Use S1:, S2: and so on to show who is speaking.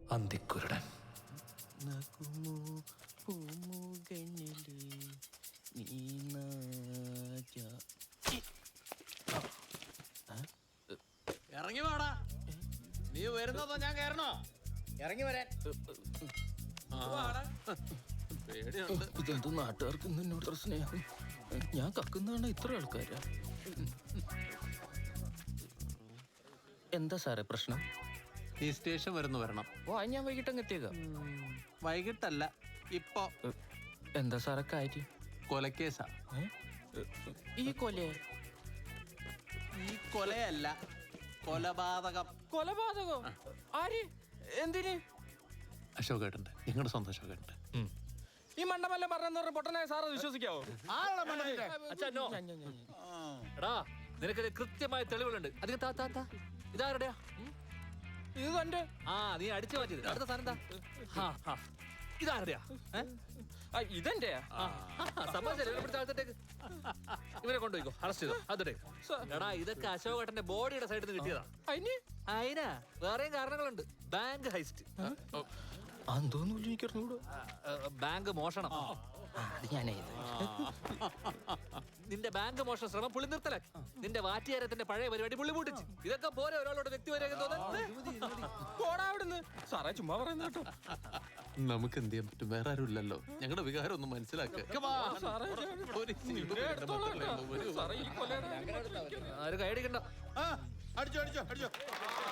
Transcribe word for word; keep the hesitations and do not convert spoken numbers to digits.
S1: അന്തിക്കുരുടൻ.
S2: ഇറങ്ങി വാടാ. നീ വരുന്നതോ ഞാൻ കയറണോ? ഇറങ്ങി വരാൻ.
S1: ഇതെന്ത് നാട്ടുകാർക്ക് എന്നോട് ഇത്ര സ്നേഹം? ഞാൻ കക്കുന്നതാണ് ഇത്ര ആൾക്കാരാ. എന്താ സാറേ പ്രശ്നം?
S2: നീ സ്റ്റേഷൻ വരുന്നു വരണം.
S1: ഓ അത് ഞാൻ വൈകിട്ട് അങ്ങ് എത്തിയേക്കാം.
S2: വൈകിട്ടല്ല, ഇപ്പൊ.
S1: എന്താ സാറേ കാര്യം?
S2: കൊലക്കേസാ.
S1: ഈ കൊലേ?
S2: ഈ കൊലയല്ല, കൊലപാതകം.
S1: കൊലപാതകോ? ആര്? എന്തിന്?
S2: അശോകേട്ടൻ്റെ, നിങ്ങളുടെ സ്വന്തം അശോകേട്ടൻ്റെ.
S1: ഈ മണ്ടമല്ല പറഞ്ഞ പൊട്ടനായ സാറ് വിശ്വസിക്കാവോ?
S3: എടാ നിനക്ക് കൃത്യമായ തെളിവുകളുണ്ട്. അധികം താ താ താ ഇതാരുടെയാ?
S1: ഇത് തന്റെ.
S3: ആ നീ അടിച്ചു മാറ്റിയത്. അടുത്ത സാധനം എന്താ? ഇതാരുടെയാ?
S1: ഇതെന്റെ.
S3: ഇവരെ കൊണ്ടുപോയിക്കോ, അറസ്റ്റ് ചെയ്തോ. അതേ എടാ ഇതൊക്കെ അശോകേട്ടന്റെ ബോഡിയുടെ സൈഡിൽ നിന്ന് കിട്ടിയതാ. അതിനാ വേറെയും കാരണങ്ങളുണ്ട്. Bank heist.
S1: അന്തോന്നില്ല, എനിക്കറിഞ്ഞൂടോ.
S3: ബാങ്ക് മോഷണം. നിന്റെ ബാങ്ക് മോഷണ ശ്രമം പുള്ളി നിർത്തലാക്കി. നിന്റെ വാറ്റിയാരത്തിന്റെ പഴയ പരിപാടി പുള്ളി പൂട്ടിച്ച്. ഇതൊക്കെ പോലെ ഒരാളോട് വ്യക്തിപരം
S1: തോന്നുന്നു. സാറേ ചുമ്മാ പറയുന്ന കേട്ടോ.
S2: നമുക്ക് എന്ത് ചെയ്യാൻ പറ്റും? വേറെ ആരും ഇല്ലല്ലോ. ഞങ്ങളുടെ വികാരം ഒന്ന് മനസ്സിലാക്കുക.
S3: ആരും കൈയടിക്കണ്ട.
S4: അടിച്ചോ അടിച്ചോ അടിച്ചോ